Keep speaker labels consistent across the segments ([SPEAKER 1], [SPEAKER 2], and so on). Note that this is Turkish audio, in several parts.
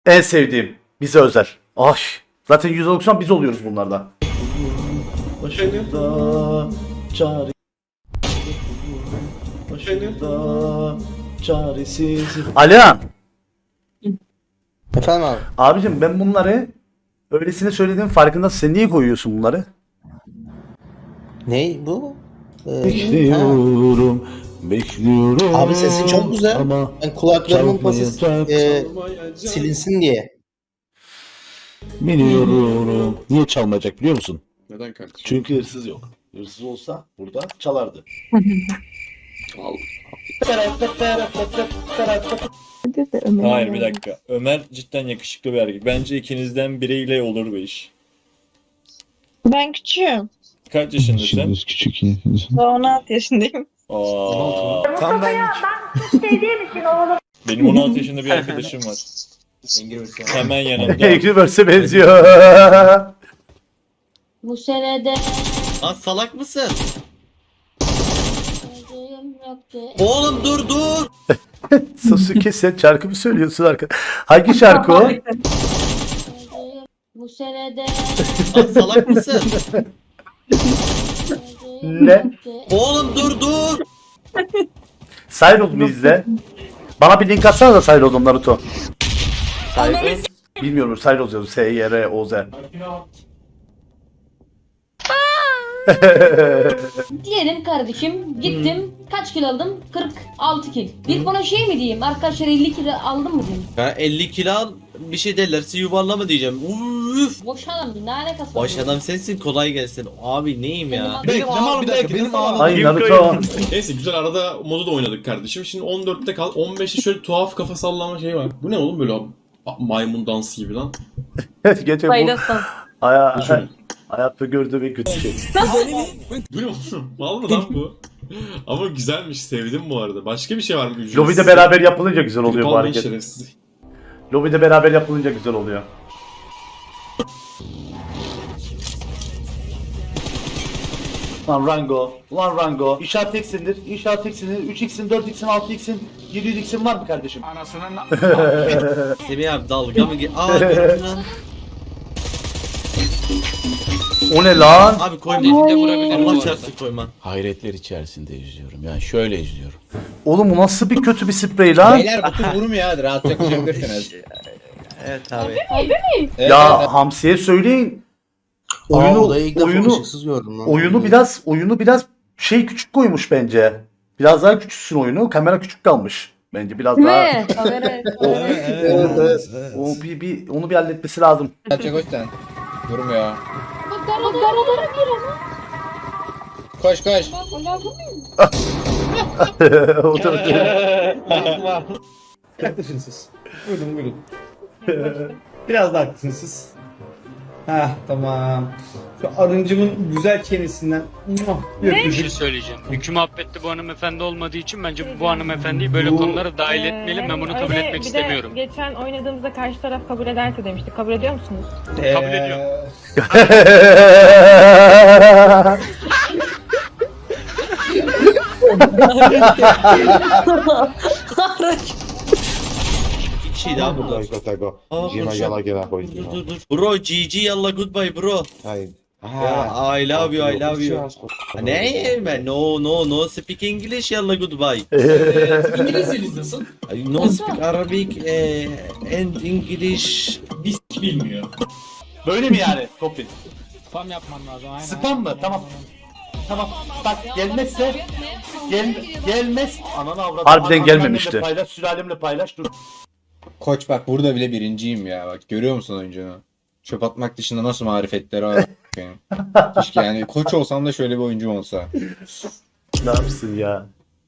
[SPEAKER 1] En sevdiğim. Bize özel. Ay. Zaten %90 biz oluyoruz bunlardan. Başımda çare. Başımda çaresiz. Alihan.
[SPEAKER 2] Efendim abi.
[SPEAKER 1] Abicim ben bunları öylesine söylediğim farkındasın. Sen niye koyuyorsun bunları?
[SPEAKER 2] Ne bu?
[SPEAKER 1] Bekliyorum. Bekliyorum.
[SPEAKER 2] Abi sesin çok güzel.
[SPEAKER 1] Ama
[SPEAKER 2] Ben kulaklarımın pası
[SPEAKER 1] çalmayacak.
[SPEAKER 2] silinsin diye.
[SPEAKER 1] Biliyorum. Niye çalmayacak biliyor musun?
[SPEAKER 3] Neden kardeşim?
[SPEAKER 1] Çünkü hırsız yok. Hırsız olsa burada çalardı.
[SPEAKER 4] Hayır bir dakika. Ömer cidden yakışıklı bir erkek. Bence ikinizden biriyle olur bu iş.
[SPEAKER 5] Ben küçüğüm.
[SPEAKER 4] Kaç yaşındasın?
[SPEAKER 6] Küçük ya.
[SPEAKER 5] Daha 16 yaşındayım.
[SPEAKER 4] Aa,
[SPEAKER 2] Tam ben
[SPEAKER 4] benim 16 yaşında bir arkadaşım var. Hemen yanımda.
[SPEAKER 1] Angry Birds'e benziyor.
[SPEAKER 7] Bu senede
[SPEAKER 2] Lan salak mısın?
[SPEAKER 7] sevdiğim yoktu.
[SPEAKER 2] Oğlum dur.
[SPEAKER 1] Sasuke sen şarkı mı söylüyorsun arkadaş? Hangi şarkı o?
[SPEAKER 7] Sevdiğim bu senede
[SPEAKER 2] Lan salak mısın?
[SPEAKER 7] sevdiğim
[SPEAKER 1] Ne?
[SPEAKER 7] yoktu.
[SPEAKER 2] Oğlum dur.
[SPEAKER 1] Cyros'u izle. Bana bir link atsana da Cyros'un Naruto. Bilmiyorum Cyrus yazıyor. S-Y-R-O-Z.
[SPEAKER 7] Diyelim kardeşim gittim kaç kilo aldım? 46 kilo. Bir bana şey mi diyeyim? Arkadaşlar 50 kilo aldım mı diyeyim?
[SPEAKER 2] Ha 50 kilo al bir şey derlerse yuvarlama diyeceğim. Uf.
[SPEAKER 7] Boş adam ne alakası var?
[SPEAKER 2] Baş adam sensin kolay gelsin. Abi neyim ya?
[SPEAKER 3] Benim ağlam bir dakika benim ağlam.
[SPEAKER 1] Ay Naruto.
[SPEAKER 3] Neyse güzel arada modu da oynadık kardeşim. Şimdi 14'te kal. 15'te şöyle tuhaf kafa sallama şey var. Bu ne oğlum böyle maymun dansı gibi lan.
[SPEAKER 1] Gece bu
[SPEAKER 7] Faydasın.
[SPEAKER 1] hayatta gördüğüm en kötü şey.
[SPEAKER 3] Bu ne oğlum? Mal mı lan bu? Ama güzelmiş sevdim bu arada. Başka bir şey var mı? Ücretsiz?
[SPEAKER 1] Lobide beraber yapılınca güzel oluyor bu
[SPEAKER 3] Almayın
[SPEAKER 1] hareket.
[SPEAKER 3] şerefsiz.
[SPEAKER 1] Lobide beraber yapılınca güzel oluyor. Lan Rango, ulan Rango. İnşaat teksindir, inşaat teksindir. 3x'in, 4x'in, 6x'in, 700x'in var mı kardeşim?
[SPEAKER 2] Semih abi dalga mı Aa gördün lan.
[SPEAKER 1] O ne lan?
[SPEAKER 2] Abi koyma. Allah çarpsın koyma.
[SPEAKER 6] Hayretler içerisinde izliyorum. Yani şöyle izliyorum.
[SPEAKER 1] Oğlum bu nasıl bir kötü bir sprey lan?
[SPEAKER 8] Beyler bu tür vurmuyor hadi rahatça koşabilirsiniz.
[SPEAKER 2] Evet abi.
[SPEAKER 1] Ya Hamsi'ye söyleyin. Oyunu biraz şey küçük koymuş bence. Biraz daha küçülsün oyunu. Kamera küçük kalmış. Bence biraz
[SPEAKER 7] Değil
[SPEAKER 1] daha.
[SPEAKER 7] mi? Kamera.
[SPEAKER 1] O onu bir halletmesi lazım.
[SPEAKER 8] Rahatça koş sen. Durmuyor.
[SPEAKER 7] Bak garalara gir ama.
[SPEAKER 8] Koş koş.
[SPEAKER 1] O da
[SPEAKER 9] Haklısınız siz. Buyurun. Biraz da haklısınız siz. Ha tamam. Şu arıncımın güzel çenesinden.
[SPEAKER 10] Bir şey söyleyeceğim. Hüküm muhabbette bu hanımefendi olmadığı için bence bu hanımefendiyi böyle konulara dahil etmeyelim. Ben bunu kabul etmek istemiyorum.
[SPEAKER 5] Geçen oynadığımızda karşı taraf kabul ederse demiştik. Kabul ediyor musunuz?
[SPEAKER 10] Kabul ediyorum.
[SPEAKER 2] Bir şey daha burada. Aa, dur. Bro GG yalla goodbye bro. Ya, I love you. Ne ben no speak English yalla goodbye.
[SPEAKER 3] İngilizceniz nasıl?
[SPEAKER 2] No speak Arabic and English.
[SPEAKER 3] Bilmiyor.
[SPEAKER 1] Böyle mi yani? Topin.
[SPEAKER 8] Spam yapman lazım aynen.
[SPEAKER 1] Spam mı? Tamam. Bak gelmezse gelmez. Ananı avradım. Harbiden gelmemişti. Paylaş, sülalemle paylaş. Dur.
[SPEAKER 8] Koç bak burada bile birinciyim ya bak görüyor musun oyuncunu? Çöp atmak dışında nasıl marifetleri var benim. Keşke yani koç olsam da şöyle bir oyuncum olsa.
[SPEAKER 1] Ne yapsın ya?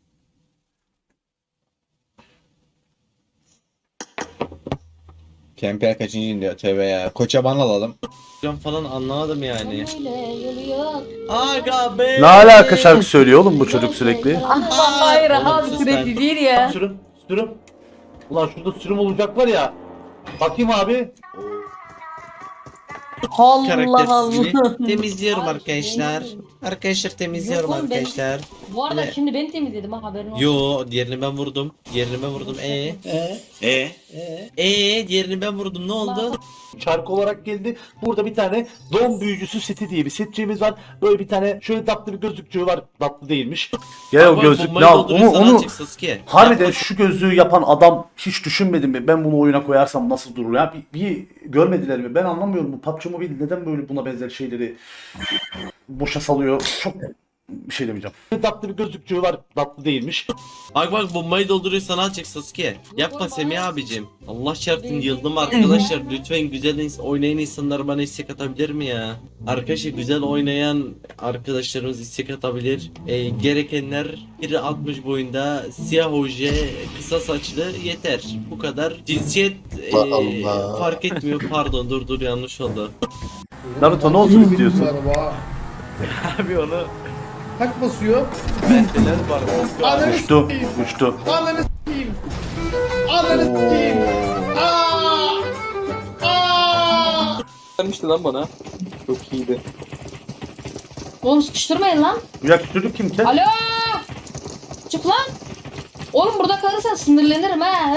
[SPEAKER 8] PMPL kaçıncıyım diyor tövbe ya. Koça ban alalım.
[SPEAKER 2] Ben falan anlamadım yani.
[SPEAKER 7] Öyle yolu yok.
[SPEAKER 2] Aga be.
[SPEAKER 1] Ne alaka şarkı söylüyor oğlum bu çocuk sürekli?
[SPEAKER 7] Hayır
[SPEAKER 2] Oğlum,
[SPEAKER 7] abi
[SPEAKER 2] sus
[SPEAKER 7] sürekli
[SPEAKER 2] lan.
[SPEAKER 7] değil ya.
[SPEAKER 1] Sürüm. Ulan şurada sürüm olacak var ya. Bakayım abi.
[SPEAKER 7] Allah
[SPEAKER 2] Karaktersiz gibi.
[SPEAKER 7] Allah.
[SPEAKER 2] Temizliyorum
[SPEAKER 7] Abi,
[SPEAKER 2] arkadaşlar.
[SPEAKER 7] yemin-
[SPEAKER 2] Arkadaşlar temizliyorum
[SPEAKER 7] Yok oğlum, ben-
[SPEAKER 2] arkadaşlar.
[SPEAKER 7] Bu arada
[SPEAKER 2] Ne?
[SPEAKER 7] şimdi ben temizledim ha, haberin olsun.
[SPEAKER 2] Yo, diğerini ben vurdum. Diğerini ben vurdum. Diğerini ben vurdum. Ne oldu?
[SPEAKER 1] Çark olarak geldi. Burada bir tane Don Büyücüsü seti diye bir setçiğimiz var. Böyle bir tane şöyle tatlı bir gözlükçüğü var. Tatlı değilmiş.
[SPEAKER 6] Gel o
[SPEAKER 2] Bak,
[SPEAKER 6] gözlük
[SPEAKER 2] bombayı
[SPEAKER 6] ne al?
[SPEAKER 2] dolduruyorsan
[SPEAKER 6] Onu
[SPEAKER 2] azıcık Sasuke.
[SPEAKER 6] harbiden
[SPEAKER 2] Yapma.
[SPEAKER 6] şu gözlüğü yapan adam hiç düşünmedi mi? Ben bunu oyuna koyarsam nasıl durur ya? Bir görmediler mi? Ben anlamıyorum bu PUBG Mobile neden böyle buna benzer şeyleri boşa salıyor. Çok bir şey demeyeceğim.
[SPEAKER 1] Tatlı bir gözlükçüğü var. Tatlı değilmiş.
[SPEAKER 2] Bak bombayı dolduruyorsan azıcık Sasuke. Yapma Semih abicim. Allah çarpsın yıldım arkadaşlar. Lütfen güzel oynayan insanlar bana istek atabilir mi ya? Arkadaşlar güzel oynayan arkadaşlarımız istek atabilir. Gerekenler 1.60 boyunda, siyah oje, kısa saçlı yeter. Bu kadar. Cinsiyet fark etmiyor. Pardon dur yanlış oldu.
[SPEAKER 6] Naruto ne olsun istiyorsun?
[SPEAKER 2] Abi onu
[SPEAKER 9] Kaç basıyor?
[SPEAKER 2] bendeler var.
[SPEAKER 9] Ananı
[SPEAKER 6] Uçtu.
[SPEAKER 9] s**eyim.
[SPEAKER 6] Uçtu.
[SPEAKER 9] Ananı s**eyim. Ananı s**eyim.
[SPEAKER 4] Vermişti lan bana. Çok iyiydi.
[SPEAKER 7] Oğlum sıkıştırmayın lan.
[SPEAKER 6] Ya çocuk kim ki?
[SPEAKER 7] Alo. Çık lan. Oğlum burada kalırsan sinirlenirim ha.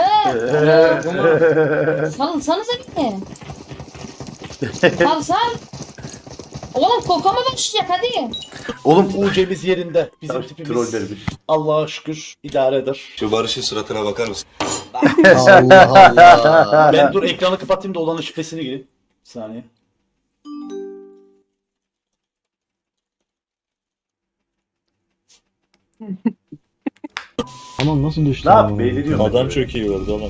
[SPEAKER 7] Salsanıza beni. Sal. Oğlum kokama başlayacak hadi.
[SPEAKER 6] Oğlum
[SPEAKER 1] UC'miz yerinde. Bizim
[SPEAKER 6] troll
[SPEAKER 1] tipimiz.
[SPEAKER 6] vermiş.
[SPEAKER 1] Allah'a şükür idare eder.
[SPEAKER 11] Şu Barış'ın suratına bakar mısın?
[SPEAKER 8] Allah Allah.
[SPEAKER 1] Ben dur ekranı kapatayım da olanın şifresini gireyim. Bir saniye.
[SPEAKER 8] Tamam nasıl düştü?
[SPEAKER 6] Ne yap? Beğeniyorum.
[SPEAKER 4] Adam çok iyi vurdu oğlum.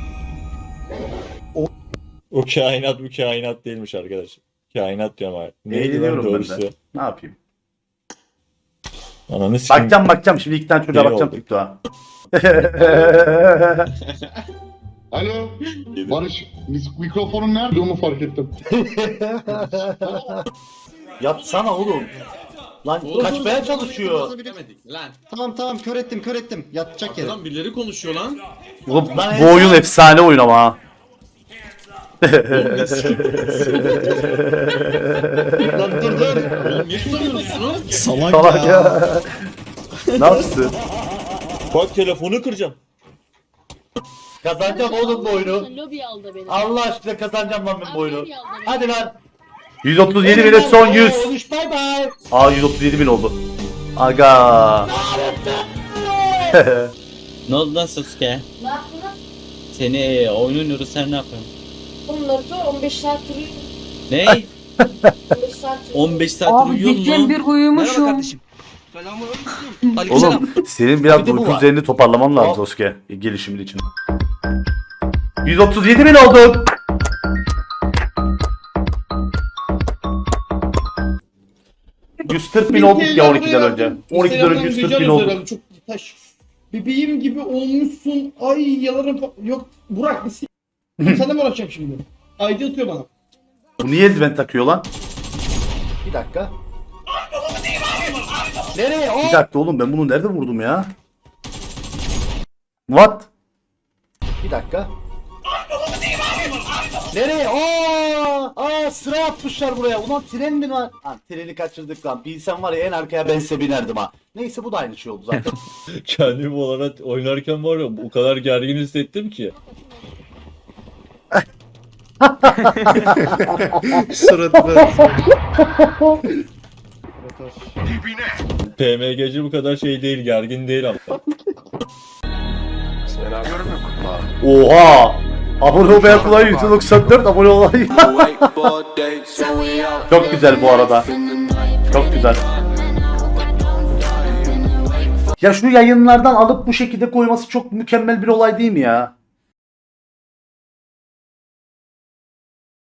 [SPEAKER 4] O kainat bu kainat değilmiş arkadaş. Kainat diyorum abi. Neydi lan
[SPEAKER 6] Beğeniyorum ben
[SPEAKER 4] doğrusu?
[SPEAKER 6] de. Ne yapayım?
[SPEAKER 4] Ananı sikeyim.
[SPEAKER 6] Bakacağım. Şimdi iki tane çocuğa
[SPEAKER 4] İyi
[SPEAKER 6] bakacağım
[SPEAKER 4] oldu.
[SPEAKER 6] TikTok'a.
[SPEAKER 11] Alo Barış mikrofonun nerede onu fark ettim.
[SPEAKER 1] Yapsana oğlum. Lan kaçmaya çalışıyor.
[SPEAKER 8] Tamam kör ettim. Yatacak yere.
[SPEAKER 3] Lan birileri konuşuyor lan.
[SPEAKER 6] Oğlum, bu oyun efsane oyun ama ha.
[SPEAKER 1] Lan dur.
[SPEAKER 3] Oğlum niye tutamıyorsun şunu?
[SPEAKER 6] Salak ya. Ne yapsın?
[SPEAKER 4] Bak telefonu kıracağım.
[SPEAKER 1] Kazanacağım oğlum bu oyunu.
[SPEAKER 7] Lobi aldı beni.
[SPEAKER 1] Allah aşkına kazanacağım lan ben bu oyunu. Hadi lan.
[SPEAKER 6] 137 bin son 100.
[SPEAKER 1] Bay bay.
[SPEAKER 6] Aa 137 bin oldu. Aga.
[SPEAKER 2] Ne oldu lan Sasuke?
[SPEAKER 7] Ne yaptın lan?
[SPEAKER 2] Seni oyun oynuyoruz sen ne yapıyorsun?
[SPEAKER 7] Onları da 15 saat duruyor.
[SPEAKER 2] Ne?
[SPEAKER 7] 15 saat duruyor.
[SPEAKER 2] 15 saat uyuyor mu?
[SPEAKER 7] bir uyumuşum.
[SPEAKER 6] Oğlum senin biraz
[SPEAKER 1] Bir de bu
[SPEAKER 6] uyku
[SPEAKER 1] var.
[SPEAKER 6] düzenini toparlaman lazım Sasuke. Gelişimin için. 137 bin oldu. ...140 bin olduk ya 12'den önce. 12'den önce 140 bin olduk.
[SPEAKER 9] Çok taş. Bebeğim gibi olmuşsun. Ay yalarım. Yok Burak bir s***. Sana mı uğraşacağım şimdi? Ayda atıyor bana.
[SPEAKER 6] Bu niye eldiven takıyor lan?
[SPEAKER 1] Bir dakika. Nereye?
[SPEAKER 6] Bir dakika oğlum ben bunu nerede vurdum ya? What?
[SPEAKER 1] Bir dakika. Nereye? Sıra atmışlar buraya. Ulan tren mi var? Ha, treni kaçırdık lan. Bilsem var ya en arkaya ben size binerdim ha. Neyse bu da aynı şey oldu zaten.
[SPEAKER 4] Kendimi olarak oynarken var ya o kadar gergin hissettim ki. PMG'ci bu kadar şey değil, gergin değil ama.
[SPEAKER 6] Oha! Abone olmaya kolay 194 abone olay. Çok güzel bu arada. Çok güzel. Ya şu yayınlardan alıp bu şekilde koyması çok mükemmel bir olay değil mi ya?